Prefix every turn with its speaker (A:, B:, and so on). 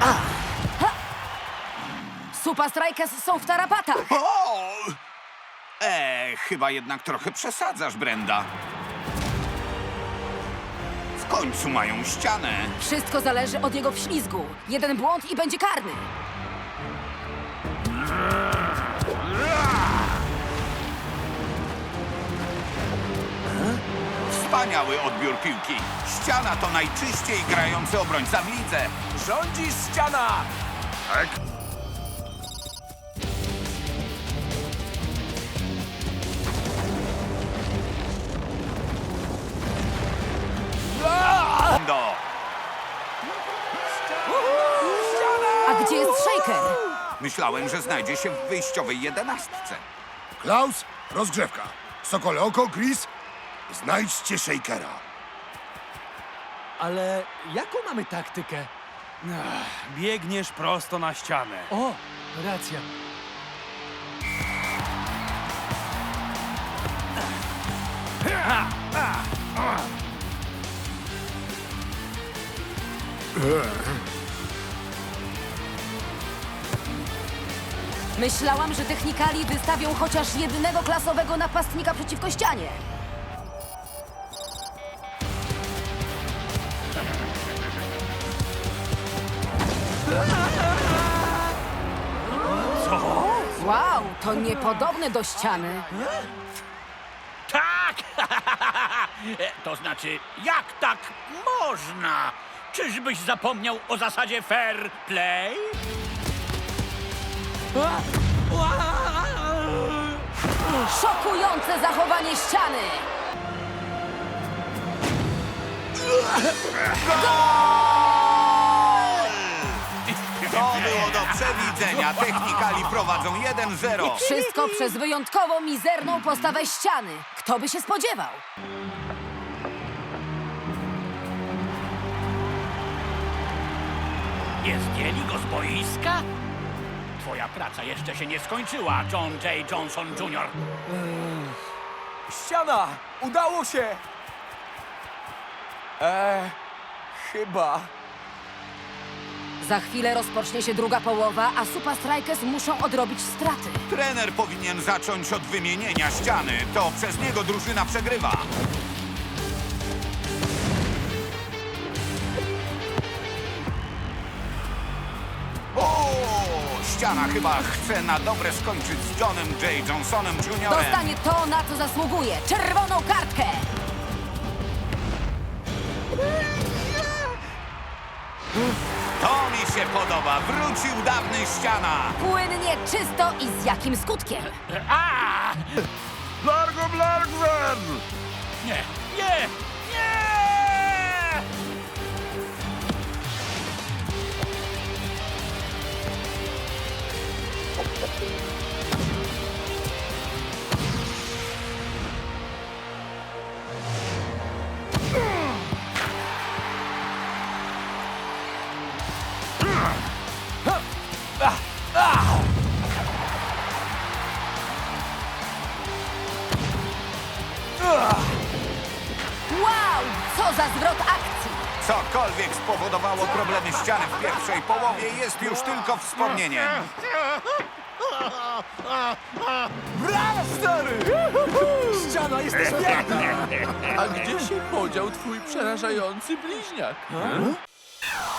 A: Super Strikers są w tarapatach.
B: O! Chyba jednak trochę przesadzasz, Brenda. W końcu mają ścianę.
A: Wszystko zależy od jego wślizgu. Jeden błąd i będzie karny.
B: Wspaniały odbiór piłki. Ściana to najczyściej grający obrońca w lidze.
C: Rządzisz, ściana!
B: Tak. Do.
A: A gdzie jest Shaker?
B: Myślałem, że znajdzie się w wyjściowej 11.
D: Klaus, rozgrzewka. Sokole oko, Chris, znajdźcie Shakera.
C: Ale jaką mamy taktykę?
E: Biegniesz prosto na ścianę.
C: O, racja.
A: Myślałam, że technikali wystawią chociaż jednego klasowego napastnika przeciwko ścianie.
E: Co?
A: Wow, to niepodobne do ściany.
F: Tak! To znaczy, jak tak można? Czyżbyś zapomniał o zasadzie fair play?
A: Szokujące zachowanie ściany.
B: To było do przewidzenia. Technikali prowadzą 1-0.
A: Wszystko przez wyjątkowo mizerną postawę ściany. Kto by się spodziewał?
F: Nie zdjęli go z boiska? Twoja praca jeszcze się nie skończyła, John J. Johnson Jr.
C: Ściana! Udało się! Chyba.
A: Za chwilę rozpocznie się druga połowa, a Super Strikers muszą odrobić straty.
B: Trener powinien zacząć od wymienienia ściany. To przez niego drużyna przegrywa. O! Ściana chyba chce na dobre skończyć z Johnem J. Johnsonem Jr.
A: Dostanie to, na co zasługuje. Czerwoną kartkę.
B: To mi się podoba. Wrócił dawny ściana.
A: Płynnie, czysto i z jakim skutkiem?
F: A!
D: Largo Blargwen!
F: Nie, nie, nie!
A: Wow, co za zwrot akcji.
B: Cokolwiek spowodowało problemy ściany w pierwszej połowie, jest już tylko wspomnieniem.
C: Brawo, stary! Ściana, jesteś piękna!
G: A gdzie się podział twój przerażający bliźniak?